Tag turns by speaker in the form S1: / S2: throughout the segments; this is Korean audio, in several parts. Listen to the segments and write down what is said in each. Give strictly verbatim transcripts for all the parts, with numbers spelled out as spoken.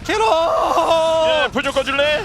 S1: 캐럿.
S2: 예, 불 좀 꺼줄래?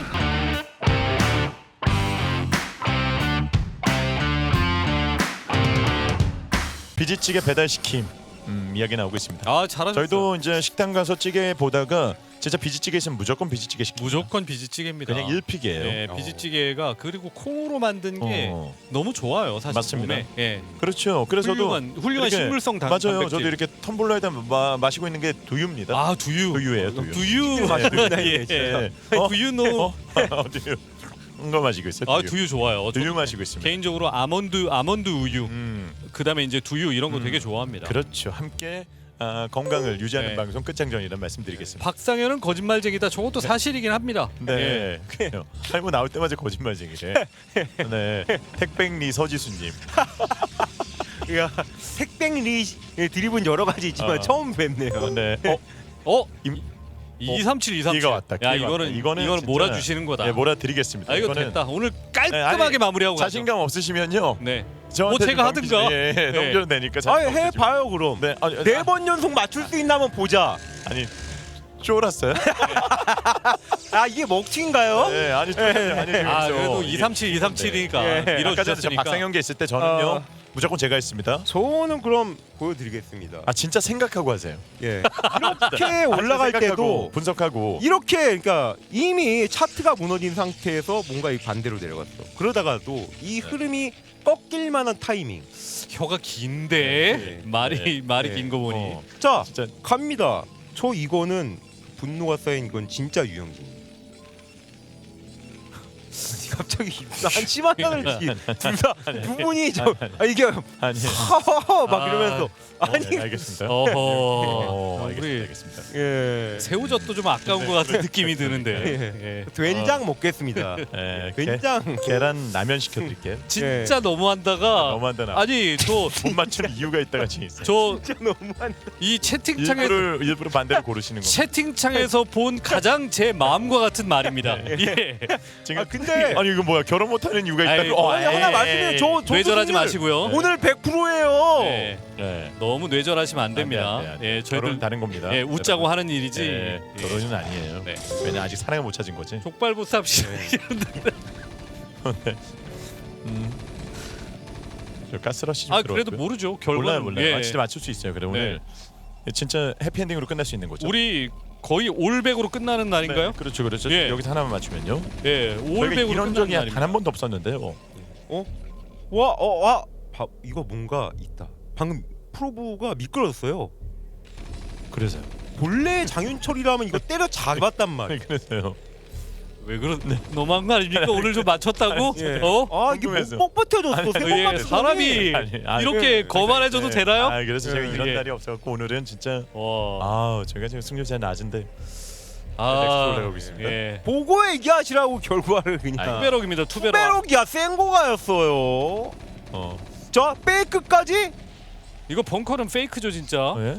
S2: 비지찌개 배달시킴 음, 이야기 나오고 있습니다.
S1: 아 잘하셨어요.
S2: 저희도 이제 식당 가서 찌개 보다가 진짜 비지찌개 있으면 무조건 비지찌개 시킵니다.
S1: 무조건 비지찌개입니다.
S2: 그냥 일픽이에요.
S1: 네, 비지찌개가 그리고 콩으로 만든 게
S2: 어.
S1: 너무 좋아요. 사실
S2: 맞습니다.
S1: 몸에. 예.
S2: 그렇죠. 그래서 저도
S1: 훌륭한 훌륭한
S2: 이렇게-
S1: 식물성 단,
S2: 맞아요.
S1: 단백질.
S2: 저도 이렇게 텀블러에다 마, 마시고 있는 게 두유입니다.
S1: 아 두유.
S2: 두유예요, 두유.
S1: 두유.
S2: 네,
S1: 예.
S2: 예. 어?
S1: 두유노.
S2: 어? 어, 두유. 이거 마시고 있어요.
S1: 아
S2: 두유.
S1: 두유 좋아요.
S2: 두유
S1: 저도
S2: 마시고 있습니다.
S1: 개인적으로 아몬드 아몬드 우유.
S2: 음,
S1: 그다음에 이제 두유 이런 거
S2: 음.
S1: 되게 좋아합니다.
S2: 그렇죠. 함께 아, 건강을 유지하는
S1: 네.
S2: 방송 끝장전이란 말씀드리겠습니다.
S1: 박상현은 거짓말쟁이다. 저것도 사실이긴 합니다. 예.
S2: 네. 그래요. 할머 나올 때마다 거짓말쟁이래. 네. 택백리 서지수님.
S3: 야, 택백리 드립은 여러 가지 있지만
S2: 어.
S3: 처음 뵙네요.
S2: 네. 어,
S1: 어?
S2: 임-
S1: 이삼칠 이삼칠.
S2: 기가 왔다.
S1: 야
S2: 기가
S1: 이거는
S2: 왔다. 이거는
S1: 이거는
S2: 진짜-
S1: 몰아주시는 거다.
S2: 네, 몰아드리겠습니다.
S1: 아 이거
S2: 이거는
S1: 됐다. 오늘
S2: 네,
S1: 깔끔하게
S2: 아니,
S1: 마무리하고 가죠.
S2: 자신감 없으시면요.
S1: 네.
S2: 저한테
S1: 뭐 제가
S2: 좀 넘기시-
S1: 하든가.
S2: 예, 예,
S1: 네.
S2: 넘겨도 되니까.
S3: 아,
S2: 자신감 없으시면.
S3: 해봐요 그럼.
S2: 네. 아니,
S3: 네 번 연속 맞출 수 있나 한번 보자.
S2: 아니 쫄았어요?
S3: 아 이게 먹튀인가요?
S2: 네, 아니 쫄았어요. 아니
S1: 아
S2: 재밌어.
S1: 그래도
S2: 이게-
S1: 이삼칠 이삼칠이니까
S3: 예.
S2: 아까 전에 저
S1: 밀어주셨으니까.
S2: 박상현계 있을 때 저는요
S3: 어.
S2: 무조건 제가 했습니다.
S3: 저는 그럼 보여드리겠습니다.
S2: 아 진짜 생각하고 하세요.
S3: 예. 이렇게 올라갈
S2: 생각하고,
S3: 때도
S2: 분석하고
S3: 이렇게 그러니까 이미 차트가 무너진 상태에서 뭔가 이 반대로 내려갔어. 그러다가도 이 흐름이 꺾일 만한 타이밍.
S1: 혀가 긴데
S3: 네.
S1: 말이
S2: 네.
S1: 말이
S3: 네.
S1: 긴 거 보니.
S2: 어,
S3: 자
S2: 진짜
S3: 갑니다. 저 이거는 분노가 쌓인 이건 진짜 유영진. 갑자기 한심한 단어를 둘다두 분이 저 아, 이게
S2: 아니.
S3: 하하하 막
S1: 아.
S3: 이러면서 아니
S2: 네, 알겠습니다.
S1: 어허.
S2: 어,
S1: 우리
S2: 알겠습니다. 알겠습니다.
S3: 예
S1: 새우젓도 좀 아까운 것 같은 느낌이 드는데. 예.
S3: 된장 먹겠습니다.
S2: 예, 게,
S3: 된장
S2: 계란 라면 시켜드릴게요.
S1: 진짜 너무한다가
S2: 너무한다 나.
S1: 아니 저
S2: 못 맞추는 이유가 있다가 지금 있어요.
S1: 저
S3: 진짜 너무한.
S1: 이 채팅창에
S2: 일부러 일부러 반대로 고르시는 거.
S1: 채팅창에서 본 가장 제 마음과 같은 말입니다. 예.
S2: 지금
S3: 아, 근데-
S2: 아니 이거 뭐야 결혼 못하는 이유가 있다고.
S1: 아이고,
S2: 어,
S3: 아니 하나
S1: 에이,
S3: 말씀드리면 저 저
S1: 뇌절하지
S3: 교수님
S1: 마시고요.
S3: 오늘 백 퍼센트예요.
S1: 네.
S2: 네.
S1: 너무 뇌절하시면 안 됩니다.
S2: 안 돼, 안 돼, 안 돼.
S1: 예,
S2: 결혼
S1: 저희들
S2: 다른 겁니다.
S1: 예, 웃자고 하는 일이지.
S2: 예,
S1: 예.
S2: 결혼은 아니에요.
S1: 네.
S2: 왜냐 아직 사랑을 못 찾은 거지.
S1: 족발보쌈 씨.
S2: 음. 저 가스러시 좀
S1: 아 그래도
S2: 들어왔고요.
S1: 모르죠. 결과는
S2: 몰라요 몰라요.
S1: 예.
S2: 아, 진짜 맞출 수 있어요. 그래 오늘 진짜 해피엔딩으로 끝날 수 있는 거죠.
S1: 우리 거의 올백으로 끝나는 날인가요?
S2: 네, 그렇죠 그렇죠.
S1: 예.
S2: 여기서 하나만 맞추면요.
S1: 예,
S2: 저희가
S1: 올백으로
S2: 이런
S1: 끝나는
S2: 적이
S1: 날입니다.
S2: 단 한 번도 없었는데요.
S3: 와, 어, 와, 봐, 이거 뭔가 있다. 방금 프로브가 미끄러졌어요.
S2: 그래서요.
S3: 본래 장윤철이라면 이거 때려 잡았단 말이야.
S2: 그래서요.
S1: 왜 그런 너무한 거 아닙니까? 오늘 좀 맞췄다고?
S3: 예.
S1: 어?
S3: 아 이게
S2: 궁금해서.
S3: 못 버텨줬어.
S2: 아니,
S3: 세번
S1: 예,
S3: 맞추더니.
S1: 사람이
S2: 아니, 아니,
S1: 이렇게
S3: 예.
S1: 거만해져도
S2: 네.
S1: 되나요?
S2: 아 그래서 제가
S3: 예.
S2: 이런
S1: 예.
S2: 날이 없어갖고 오늘은 진짜
S1: 와.
S2: 아 제가 지금 승률이 낮은데
S1: 아,
S2: 넥스트 올라가고 있습니다.
S1: 예.
S3: 보고 얘기하시라고 결과를 그냥.
S1: 투베럭입니다. 투베럭.
S3: 투베럭이야 생고가였어요.
S2: 어.
S3: 자 페이크까지.
S1: 이거 벙커는 페이크죠 진짜.
S2: 예?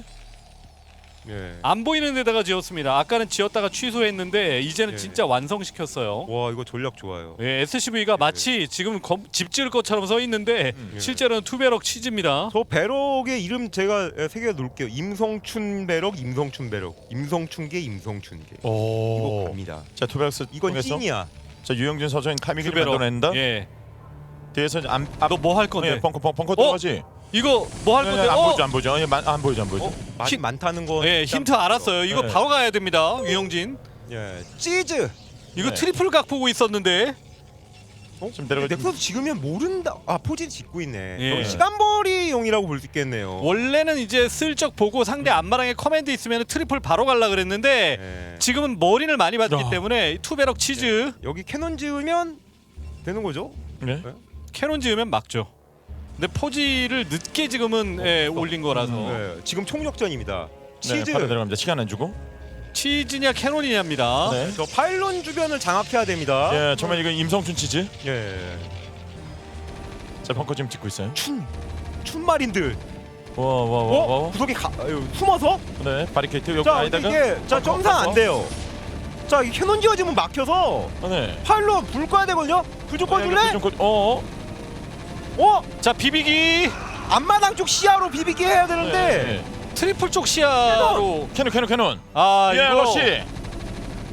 S3: 예.
S1: 안 보이는 데다가 지었습니다. 아까는 지었다가 취소했는데 이제는
S3: 예.
S1: 진짜 완성시켰어요.
S3: 와 이거 전략 좋아요.
S1: 예, 에스씨브이가 마치 지금 검, 집 지을 것처럼 써 있는데
S2: 음.
S1: 실제로는 투베럭 치즈입니다.
S3: 저 배럭의 이름 제가 새겨 놓을게요. 임성춘 배럭, 임성춘 배럭, 임성춘계, 임성춘계. 이거
S2: 오.
S3: 갑니다.
S2: 자 투베럭스
S3: 이건
S2: 통해서
S3: 찐이야.
S2: 자 유영진 서정인 카미기를
S1: 투베럭.
S2: 만들어낸다.
S1: 예.
S2: 뒤에서 안 앞.
S1: 너 뭐 할 건데?
S2: 예, 벙커 벙커 벙커 들어가지.
S1: 이거 뭐 할
S2: 예,
S1: 건데?
S2: 안
S1: 어?
S2: 보이죠 안 보이죠. 예, 만- 안 보이죠 안 보이죠.
S3: 어? 많이
S1: 힌-
S3: 많다는 건.
S1: 예,
S3: 일단
S1: 힌트 알았어요. 이거
S2: 네.
S1: 바로 가야 됩니다. 유영진.
S3: 예, 치즈.
S1: 이거
S2: 네.
S1: 트리플 각 보고 있었는데.
S3: 어?
S2: 지금 내려가-
S3: 넥서스 지금이면 모른다. 아 포지 짓고 있네.
S1: 예.
S3: 여기 시간벌이용이라고 볼 수 있겠네요.
S1: 원래는 이제 슬쩍 보고 상대 앞마당에 커맨드 있으면 트리플 바로 갈라 그랬는데
S3: 예.
S1: 지금은 머리를 많이 받기
S2: 야.
S1: 때문에 투베럭 치즈
S3: 여기 캐논 지으면 되는 거죠?
S2: 네.
S1: 캐논 지으면 막죠. 근데 포지를 늦게 지금은 예, 올린 거라서
S2: 음.
S3: 예, 지금 총력전입니다.
S2: 네,
S3: 치즈.
S2: 바로 들어갑니다. 시간 안 주고.
S1: 치즈냐 캐논이냐입니다.
S2: 네.
S3: 저 파일론 주변을 장악해야 됩니다.
S2: 예, 정말 이거 임성춘 치즈.
S3: 예.
S2: 자 벙커 지금 찍고 있어요.
S3: 춘 춘마린들.
S2: 와와와
S3: 어?
S2: 와.
S3: 구석에 가, 아유, 숨어서?
S2: 네 바리케이트 여기
S3: 자, 근데
S2: 아이다가.
S3: 이게 자
S2: 벙커,
S3: 점상 안
S2: 벙커.
S3: 돼요. 자, 이 캐논 지어지면 막혀서
S2: 아, 네.
S3: 파일론 불 꺼야 되거든요. 불 좀 꺼줄래?
S2: 좀 꺼. 어.
S3: 어?
S1: 자 비비기
S3: 앞마당 쪽 시야로 비비기 해야 되는데.
S2: 네.
S1: 트리플 쪽 시야로
S2: 캐논 캐논 캐논.
S1: 아
S2: 예,
S1: 이거
S2: 러시.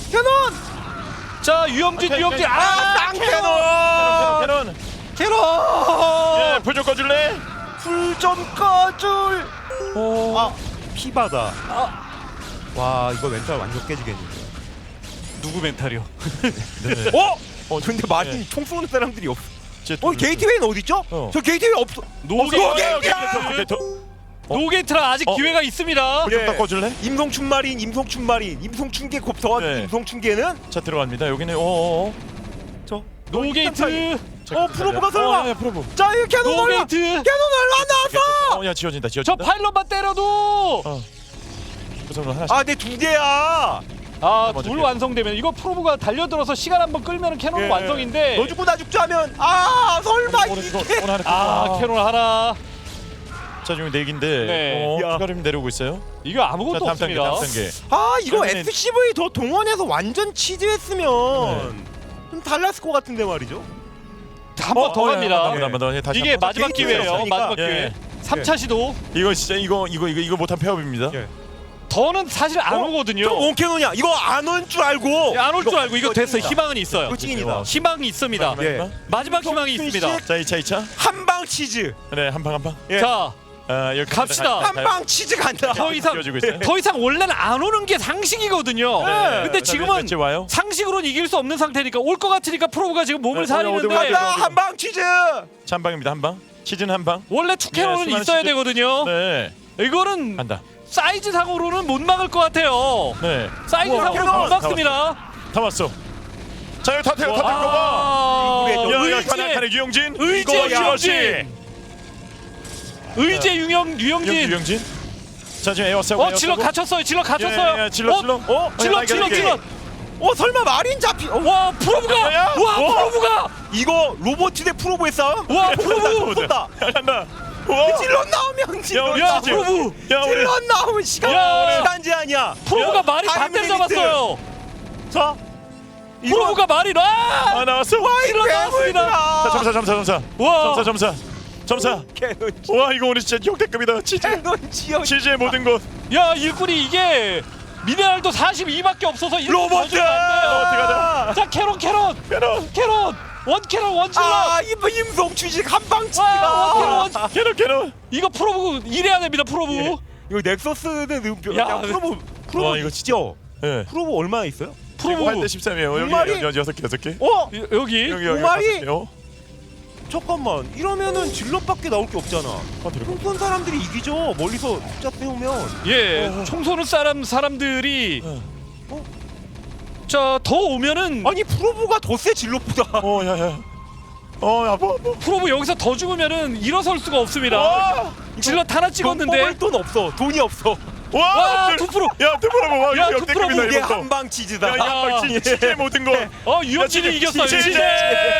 S3: 캐논
S1: 자 유영진
S2: 오케이,
S1: 유영진
S2: 오케이.
S1: 아
S3: 캐논
S2: 캐논.
S3: 캐논
S2: 예, 불 좀 꺼줄래?
S3: 불 좀 꺼줄.
S2: 오.
S3: 아 피바다. 와 이거 멘탈 완전 깨지겠는데.
S1: 누구 멘탈이요?
S2: 네.
S3: 어?
S2: 어,
S3: 근데 마린 총 쏘는 사람들이 없어.
S2: 제
S3: 어 게이트웨이는 어디 있죠?
S2: 어.
S3: 저 게이트웨이 없어.
S1: 노게이트 노게이트라 아직
S2: 어.
S1: 기회가 있습니다.
S2: 불좀
S3: 예.
S2: 더 꺼줄래?
S3: 임성춘 마린, 임성춘 마린, 임성춘계 곱더한
S2: 네.
S3: 임성춘계는
S2: 자 들어갑니다. 여기는 어어어.
S3: 저
S1: 노게이트
S3: 어 프로브가 설마.
S2: 어, 예, 프로브.
S3: 자 이 캐논 올려.
S1: 노게이트
S3: 캐논 올라 나왔어.
S2: 어, 야 지워진다.
S1: 저
S2: 지워진다.
S1: 파일럿만 때려도
S2: 어. 우선 하나씩.
S3: 아 내 두 개야.
S1: 아
S2: 먼저
S1: 둘
S2: 피해.
S1: 완성되면 이거 프로브가 달려들어서 시간 한번 끌면 캐논
S3: 예.
S1: 완성인데
S3: 너 죽고 나 죽자 하면 아 설마
S2: 오늘 이거
S3: 이게.
S2: 오늘 하나.
S1: 아 캐논 하나
S2: 자 지금 네 개인데.
S1: 네.
S2: 어,
S3: 야.
S2: 추가로 내려오고 있어요.
S1: 이거
S2: 자
S1: 아무것도
S2: 다음 단계,
S1: 없습니다.
S2: 다음 단계.
S3: 아 이거
S2: 그러면은-
S3: 에스씨브이 더 동원해서 완전 치즈했으면 좀 달랐을 것 같은데 말이죠.
S1: 한 번 더
S2: 어,
S1: 갑니다.
S2: 예, 한번 더, 예, 다시
S1: 이게
S2: 한 번.
S1: 마지막
S3: 게이트
S1: 기회예요.
S3: 없으니까.
S1: 마지막
S2: 예.
S1: 기회. 삼 차 시도.
S2: 이거 진짜 이거 이거 이거 이거 못한 폐업입니다.
S3: 예.
S1: 더는 사실 안
S3: 어?
S1: 오거든요.
S3: 저 원캐논이야. 이거 안 온 줄 알고.
S1: 안 올 줄 알고 이거 됐어.
S3: 찐이다.
S1: 희망은 있어요.
S3: 이거 찐이다.
S1: 희망이 있습니다.
S2: 마지막,
S3: 예.
S2: 마지막.
S1: 마지막 희망이 있습니다.
S2: 자 이 차 이 차.
S3: 한방 치즈.
S2: 네, 한 방 한 방.
S3: 예.
S1: 자,
S2: 아, 여기
S1: 갑시다.
S3: 한방 치즈 간다.
S1: 더 이상
S2: 지워지고 있어요.
S1: 더 이상 원래는 안 오는 게 상식이거든요.
S3: 네.
S1: 근데 지금은
S2: 왠지 와요.
S1: 상식으로는 이길 수 없는 상태니까 올 것 같으니까 프로브가 지금 몸을
S2: 네,
S1: 사리는데
S2: 어디, 어디, 어디,
S3: 간다 한방 치즈.
S2: 자, 한 방입니다. 한 방. 시즌 한 방.
S1: 원래 투캐논은
S2: 예, 수많은
S1: 있어야
S2: 시즌-
S1: 되거든요.
S2: 네.
S1: 이거는
S2: 간다.
S1: 사이즈 상으로는 못 막을 것 같아요.
S2: 네.
S1: 사이즈
S3: 우와,
S1: 상으로
S3: 캐논!
S1: 못 막습니다.
S2: 다 왔어. 자, 여기 다 태워 다 태워 봐.
S1: 아,
S3: 우리의
S2: 야, 야,
S1: 의제,
S2: 가나 가나 유영진.
S1: 의제
S2: 이거 야시.
S1: 유영진, 의제 유영
S2: 유영진.
S1: 유영진.
S2: 유영진. 자, 지금 에어싸고.
S1: 어 질러 갇혔어요. 질러 갇혔어요.
S2: 예, 예, 질러,
S1: 어,
S2: 질러.
S3: 어?
S1: 질러
S2: 야,
S1: 질러
S2: 이게-
S1: 질러.
S3: 어 설마 마린 잡히? 어,
S1: 와 프로브가
S2: 야,
S1: 와
S3: 어?
S1: 프로브가
S3: 이거 로봇 대 프로보의 싸움?
S1: 와 프로브
S3: 본다.
S2: 야, 간다. 와.
S3: 질러 나오면 질러.
S2: 우리
S1: 야
S2: 진짜-
S1: 프로브
S2: 야, 우리
S3: 질러 나오면 시간
S1: 야,
S3: 시간 제한이야.
S1: 프로브가
S3: 야,
S1: 말이
S3: 타임
S1: 반대로
S3: 리미트.
S1: 잡았어요.
S3: 자, 이거
S1: 프로브가 말이 와
S2: 아, 나왔어.
S1: 질러 나왔습니다.
S2: 자, 점사 점사 점사.
S1: 와
S2: 점사 점사. 점사.
S3: 캐논
S2: 와, 이거 오늘 진짜 역대급이다. 치즈.
S3: 캐논 지역.
S2: 치즈의 모든 것.
S1: 야 일꾼이 이게 미네랄도 사십이밖에 없어서 일꾼
S3: 로봇.
S1: 더 주면 안 돼요.
S2: 어떻게 하자.
S1: 자 캐롯 캐롯
S2: 캐논.
S1: 캐롯 원 캐롯 원 질러.
S3: 아, 이 임성 주식 한방
S1: 와,
S3: 치기가.
S1: 원 캐롯.
S2: 캐논 캐논.
S1: 이거 프로브 이래야 됩니다 프로브.
S3: 예. 이거 넥서스는 음표.
S1: 야,
S3: 야, 프로보 프로보
S2: 와, 이거
S3: 진짜.
S2: 예.
S3: 프로보 얼마나 있어요?
S1: 프로브
S2: 팔 대 십삼이에요. 여기
S3: 마리?
S2: 여기 여섯 개 여섯 개.
S3: 어?
S1: 여- 여기
S2: 여기 여기
S3: 마리?
S2: 다섯 개요.
S3: 잠깐만. 이러면은 질럿밖에 나올 게 없잖아.
S2: 어, 들어가.
S3: 총쏜 사람들이 이기죠. 멀리서 숫자 세우면.
S1: 예
S2: 어.
S1: 총 쏘는 사람 사람들이
S2: 어.
S3: 어?
S1: 자 더 오면은
S3: 아니 프로보가 더 세 질럿보다.
S2: 어, 야, 야. 어, 야, 뭐, 뭐.
S1: 프로브 여기서 더 죽으면은 일어설 수가 없습니다.
S2: 와!
S1: 질럿 하나
S3: 돈
S1: 찍었는데
S3: 뽑을 돈 없어. 돈이 없어.
S2: 와!
S1: 와, 두 프로.
S2: 야, 두 프로 봐.
S1: 야,
S2: 야,
S1: 두
S2: 역대급이다
S1: 프로
S3: 이게
S2: 이거.
S3: 한방 치즈다.
S2: 야, 야, 치- 치즈의 모든 거.
S1: 어 유영진이
S2: 야,
S1: 이겼어요.
S2: 진짜-
S1: 유영진.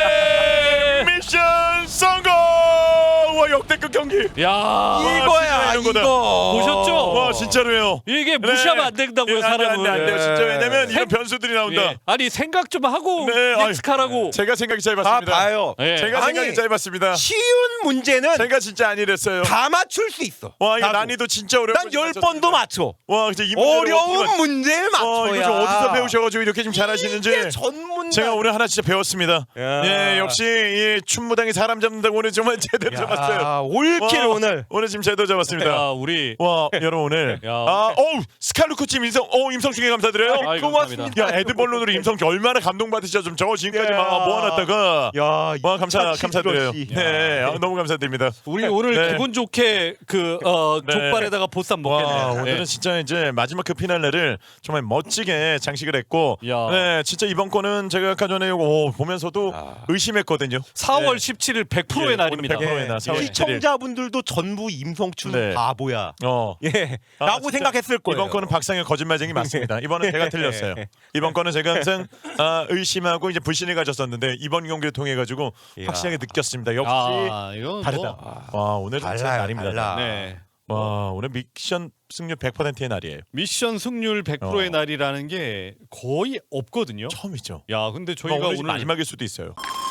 S2: 미션 성공! 와, 역대급 경기.
S1: 야
S3: 이거야
S2: 진짜 이런 거다.
S3: 이거.
S1: 보셨죠?
S2: 와, 진짜로요.
S1: 이게 무시하면 안 된다고요
S2: 예, 안 돼, 안
S1: 사람은.
S2: 돼, 안 돼요. 진짜
S3: 예.
S2: 왜냐면 이런
S1: 생-
S2: 변수들이 나온다.
S1: 예. 아니 생각 좀 하고
S2: 네, 아유.
S1: 넥스카라고.
S2: 제가 생각이
S3: 다
S2: 짧았습니다.
S3: 봐요.
S1: 예.
S2: 제가
S3: 아니,
S2: 생각이 짧았습니다.
S3: 쉬운 문제는
S2: 제가 진짜 안 이랬어요.
S3: 다 맞출 수 있어.
S2: 와, 이거
S3: 나도.
S2: 난이도 진짜 어려운
S3: 난 열 번도 맞춰.
S2: 와, 진짜 이 문제를 어떻게
S3: 어려운
S2: 맞-
S3: 문제를
S2: 어,
S3: 맞춰야.
S2: 이거 좀 어디서 배우셔가지고 이렇게 좀 잘하시는지.
S3: 이게 전문.
S2: 제가 오늘 하나 진짜 배웠습니다.
S3: 야.
S2: 예, 역시 이 춘무당이 사람 잡는다고 오늘 정말 제대로 잡았어요.
S3: 올킬
S2: 와,
S3: 오늘.
S2: 오늘 지금 제대로 잡았습니다.
S1: 야 우리
S2: 와, 여러분 오늘
S1: 야.
S2: 아, 어우 스칼루코님 임성, 어 임성중에 감사드려요.
S1: 아이,
S3: 고맙습니다.
S1: 감사합니다.
S2: 야, 에드벌룬으로 임성 얼마나 감동받으시죠? 좀 저거 지금까지
S3: 야.
S2: 막 모아놨다가
S3: 야,
S2: 와 감사
S3: 이
S2: 감사드려요.
S3: 치즈러시.
S2: 네, 아, 너무 감사드립니다.
S1: 우리 오늘
S2: 네.
S1: 기분 좋게 그 어,
S2: 네.
S1: 족발에다가 보쌈
S2: 와,
S1: 먹겠네요.
S2: 오늘은
S1: 네.
S2: 진짜 이제 마지막 그 피날레를 정말 멋지게 장식을 했고,
S1: 야.
S2: 네, 진짜 이번 거는 제가 아까 전에 오, 보면서도
S3: 아.
S2: 의심했거든요.
S1: 사월
S2: 네.
S1: 십칠일 백 퍼센트의
S2: 예,
S1: 날입니다.
S2: 오늘 백 퍼센트의 날, 사월
S1: 예.
S2: 십칠일.
S3: 시청자분들도 전부 임성춘
S2: 네.
S3: 바보야.
S2: 어.
S3: 예.
S2: 아,
S3: 라고
S2: 진짜
S3: 생각했을 거예요.
S2: 이번 거는 박상현 거짓말쟁이 맞습니다. 이번은 제가 틀렸어요. 이번 거는 제가 항상 아, 의심하고 이제 불신을 가졌었는데 이번 경기를 통해 가지고
S3: 이야.
S2: 확실하게 느꼈습니다. 역시
S1: 아 이건
S2: 다르다.
S1: 뭐,
S2: 와, 오늘 진짜
S3: 달라요,
S2: 날입니다.
S3: 달라.
S1: 네.
S2: 와, 오늘 미션 승률 백 퍼센트의 날이에요.
S1: 미션 승률 백 퍼센트의
S2: 어.
S1: 날이라는 게 거의 없거든요.
S2: 처음이죠.
S1: 야 근데
S2: 저희가
S1: 저희가
S2: 오늘
S1: 오늘
S2: 마지막일 수도 있어요.